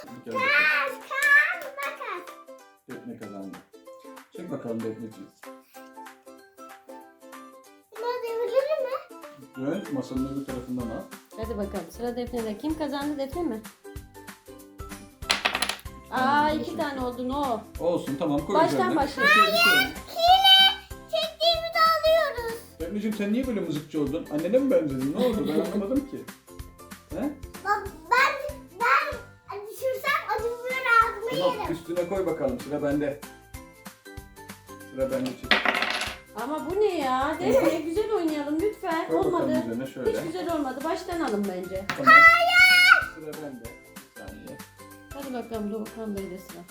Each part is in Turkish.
Bir kere bakalım. Taş, kağıt, makas. Defne kazandı. Çek bakalım Defneciğim. Bunu devirir mi? Dön masanın öbür tarafından al. Hadi bakalım sıra Defne'de. Kim kazandı, Defne mi? Aa, 2 tane oldu, no. Olsun tamam koy Baştan üzerine. başla. Bir şey, bir şey. Hile. Çektiğimizi alıyoruz. Defneciğim sen niye böyle mızıkçı oldun? Annene mi benzedin? Ne oldu? Ben anlamadım ki. He? Bak ben düşürsem acı biber ağzıma Tamam yerim. üstüne koy bakalım. Sıra bende. Sıra bende çek. Ama bu ne ya? Defne güzel oynayalım lütfen. Koy Olmadı. bakalım üzerine şöyle. Hiç güzel olmadı. Baştan alın bence. Tamam. Sıra bende. Bir saniye. Hadi bakalım Doğukan Bey'de sıra.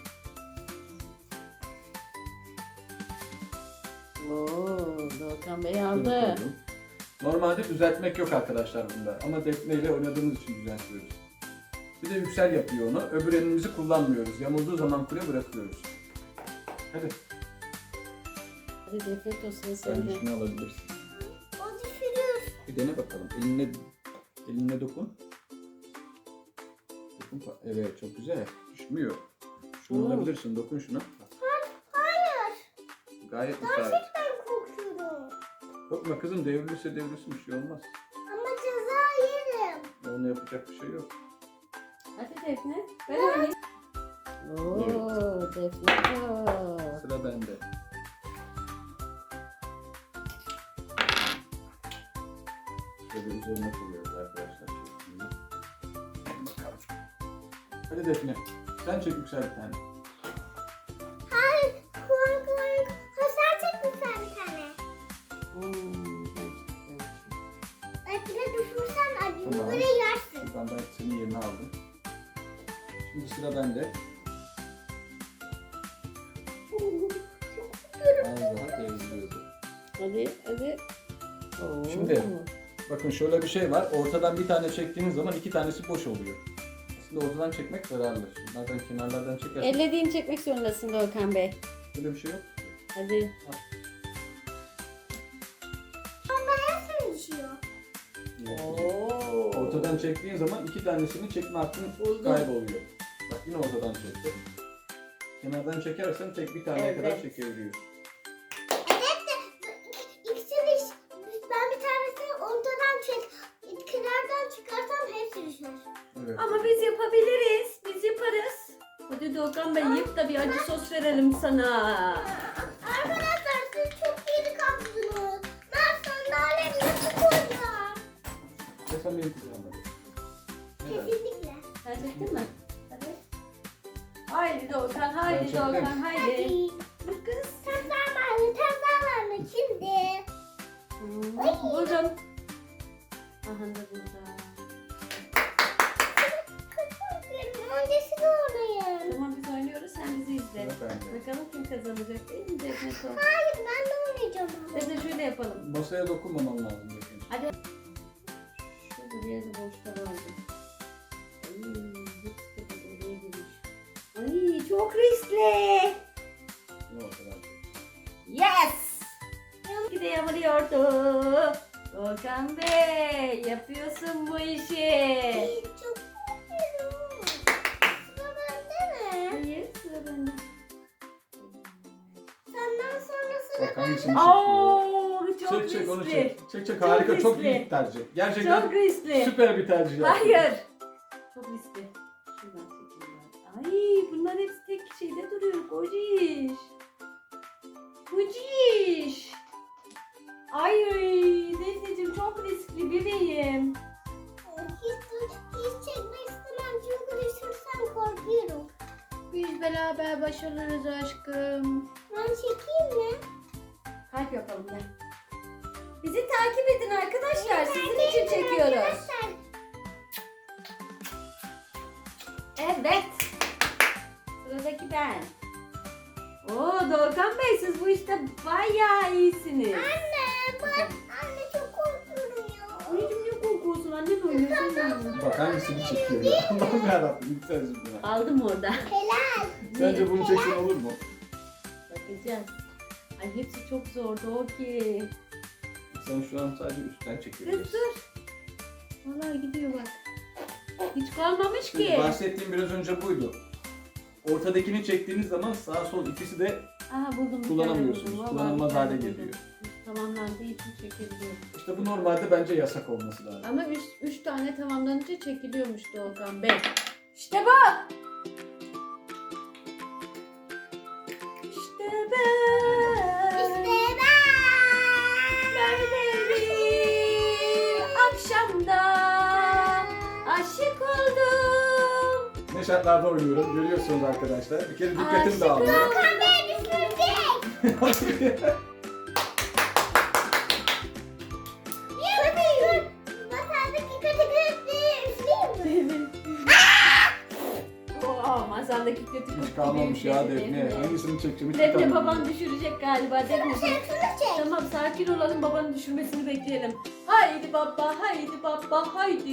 Oo, Doğukan Bey Şöyle aldı. koydum. Normalde düzeltmek yok arkadaşlar bunda. Ama Defne ile oynadığımız için düzeltiyoruz. Bir de yüksel yapıyor onu. Öbür elimizi kullanmıyoruz. Yamulduğu zaman kule bırakıyoruz. Hadi. Hadi Defne o sıra Sen sende. şunu alabilirsin. O düşürür. Bir dene bakalım. Eline dokun. Evet çok güzel. Düşmüyor. Şunu Oo. alabilirsin. Dokun şuna. Hayır. Gayet müsait. Ben korkuyorum. Korkma kızım devrilirse devrilsin bir şey olmaz. Ama ceza yerim. Ona yapacak bir şey yok. Hadi Defne. Ben oynayayım. Oo, Defne. Oo. Sıra bende. Şöyle üzerine koyuyoruz arkadaşlar. Şimdi. Bakalım. Hadi Defne. Sen çek yüksel bir tane. Hayır. Korkuyorum. Ha sen çek lütfen bir tane. Belki de düşürsen acı Tamam. biberi yersin. Ben senin yerini aldım. Şimdi sıra bende. Az daha devriliyordu. Hadi. Oo. Şimdi. Bakın şöyle bir şey var. Ortadan bir tane çektiğiniz zaman iki tanesi boş oluyor. Aslında ortadan çekmek zararlı. Şunlardan kenarlardan çekersen Ellediğini çekmek zorundasın Doğukan Bey. böyle bir şey yok. Hadi. Ama hepsini düşüyor. Oo. Ortadan çektiğin zaman iki tanesini çekme hakkın kayboluyor. Bak yine ortadan çekti. Kenardan çekersen tek bir taneye kadar Evet. çekebiliyorsun. İkisi ben bir tanesini ortadan kenardan çıkarsam hepsi düşer. Evet. Ama biz yapabiliriz. Biz yaparız. Hadi Doğukan Bey yap da bir acı sos verelim sana. Arkadaşlar siz çok geri kaptınız. Ben sandalyemi nasıl koyacağım? Sen benim kullanmadın. Neden? Kesinlikle. Sen çektin mi? Hadi. Haydi Doğukan, haydi Ben çektim. Doğukan, haydi. Hadi. Dur kız. Tezler var mı şimdi? Buldum. Aha da burada. Çok korkuyorum. Öncesini oynayın. Tamam biz oynuyoruz, sen bizi izle. Sıra bende. Bakalım kim kazanacak değil mi Defne Son? Hayır ben de oynayacağım. Defne şöyle yapalım. Masaya dokunmaman lazım. Bakın. Hadi. Şurada bir yerde boşlar vardı. Ay, hepsi de oraya girmiş. Ay çok riskli. Yine ortadan. Yes! Gide yamuluyordu. Doğukan Bey yapıyorsun bu işi. Çok korkuyorum. Sıra bende mi? Hayır sıra bende. Senden sonra sıra Bak hangisini çekiyor? Oo çok Çek çek onu riskli. çek. Çek çek harika çok riskli. iyi bir tercih. Gerçekten Çok riskli. süper bir tercih yaptın. Hayır. Çok riskli. Şuradan çekeyim ben. Ay bunlar hepsi tek şeyde duruyor. Kociş. Kociş. Ay Defneciğim çok riskli bebeğim. hiç çekmek istemem çünkü düşürsem korkuyorum. Biz beraber başarırız aşkım. Ben çekeyim mi? Kalp yapalım gel. Bizi takip edin arkadaşlar. Sizin için çekiyoruz. Arkadaşlar, Evet. Sıradaki ben. Oo Doğukan Bey siz bu işte bayağı iyisiniz. Anne çok korkuyorum ya. Anneciğim ne korkuyorsun? Anne de oynuyorsun. Bak hangisini çekiyor ya. Allah'ım yarabbim yükselsin buna. Aldım orada. Helal. Sence bunu çeksen olur mu? Bakacağız. Ay hepsi çok zordu o ki. Sen şu an sadece üstten Kız çekiyorsun. dur. Vallahi gidiyor bak. Hiç kalmamış Şimdi ki. bahsettiğim biraz önce buydu. Ortadakini çektiğiniz zaman sağ sol ikisi de Aha buldum. bir kullanamıyorsunuz. tane buldum. Vallahi Kullanılmaz bir tane hale buldum. geliyor. Tamamlandığı için çekebiliyorum. İşte bu normalde bence yasak olması lazım. Ama 3 tane tamamlanınca çekiliyormuş Doğukan Bey. İşte bu. İşte ben. İşte ben. Böyle bir akşamda aşık oldum. Ne şartlarda oynuyorum görüyorsunuz arkadaşlar. Bir kere dikkatim Aşık dağılıyor. Doğukan Bey düşürecek. Dur. Masaldaki kategoriyi üfleyeyim mi? Oo, masandaki kötü Hiç kurt kalmamış gibi ya bir Defne. Hangisini çekeceğim hiç Defne tutamıyorum. baban düşürecek galiba. Defne Şunu çek. tamam sakin olalım, babanın düşürmesini bekleyelim. Haydi baba, haydi baba, haydi.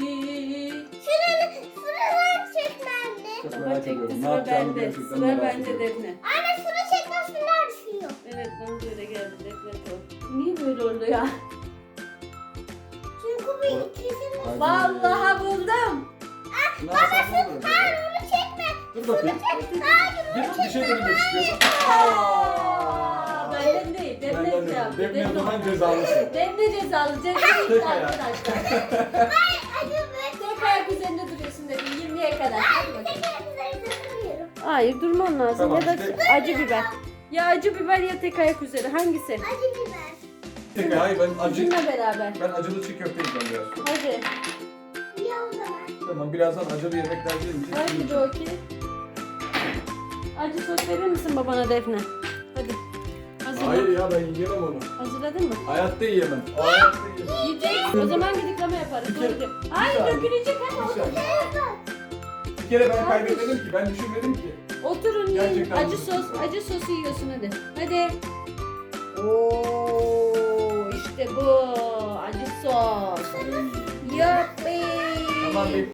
Şuradan çekmemdi. Çok Baba merak çekti, ediyorum. Ne sıra yapacağımı bende. gerçekten Sıra merak bende ediyorum. Defne. Anne şunu çekmez şunlar düşüyor. Evet bana da öyle geldi Defne çok. Niye böyle oldu ya? Çünkü bu ikisini... Hadi. Vallahi buldum. Şunu alsam ne olur acaba? Hayır onu çekme. Dur bakayım. Bir şey denemek istiyorum. Aa, benden değil, Defne Benden şey yaptı. değil. Defne o zaman cezalısın. Defne cezalı, Tek cezalı ayak. arkadaşlar. Hadi be. Tek ayak üzerinde duruyorsun dedim 20'ye kadar. Hadi bakalım. Tekrar üzerinde duruyorum. Hayır durman lazım Tamam, ya da işte- acı biber. Ya acı biber ya tek ayak üzeri hangisi? Acı biber. Tek hayır ben acı. Bizimle beraber. Ben acılı çiğ köfte yiyeceğim biraz. Hadi. Ya o zaman. Tamam birazdan acılı yemekler gelince Hadi yiyeceğim. Doki. Acı sos verir misin babana Defne? Hadi. Hazırla. Hayır ya ben yiyemem onu. Hazırladın mı? Hayatta yiyemem. Hayatta yiyemem. Yiyecek. O zaman gidikleme yaparız. Bir kere- Doğru. bir Hayır saniye. dökülecek hadi Bir otur. saniye. Bir kere ben kaybetmedim ki. Ben düşünmedim ki. Oturun yiyin. Gerçekten Acı bu- sos, acı sosu yiyorsun hadi. Hadi. Oo işte bu. Acı sos. Ay. Yuppi. Tamam